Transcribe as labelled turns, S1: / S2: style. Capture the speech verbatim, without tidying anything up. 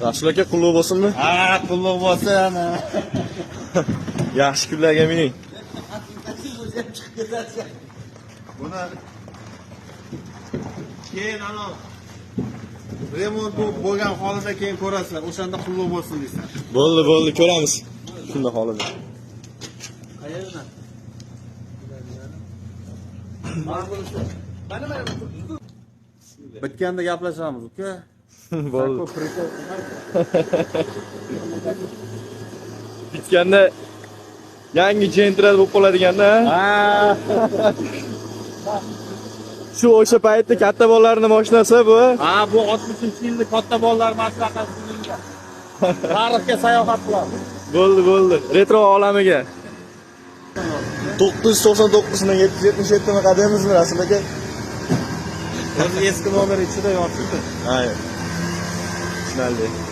S1: Rasul aka qulluq bo'lsinmi?
S2: Ha, qulluq bo'lsin.
S1: Yaxshi kunlarga mining.
S2: Buni keyin ana remont bo'lgan holida keyin ko'rasizlar. O'shanda qulluq bo'lsin deysan.
S1: Bo'ldi, bo'ldi, ko'ramiz. Shunda holida.
S2: Qayerdan? Bitganda gaplashamiz, uka.
S1: Bo'ldi. Bitganda yangi jentrad bo'lib qoladeganda.
S2: Ha.
S1: Shu o'sha paytda katta bolalarning mashinasi bu.
S2: Ha, bu oltmishinchi yillik katta bolalar maslahati sizinga. Tarixga sayohat qilamiz.
S1: Bo'ldi, bo'ldi. Retro olamiga. to'qqiz yuz to'qson to'qqiz dan yetti yuz yetmish yetti ni qadamimizmi Rasul aka?
S2: O'zi eski nomer ichida yotibdi.
S1: Ha. Tushunarli.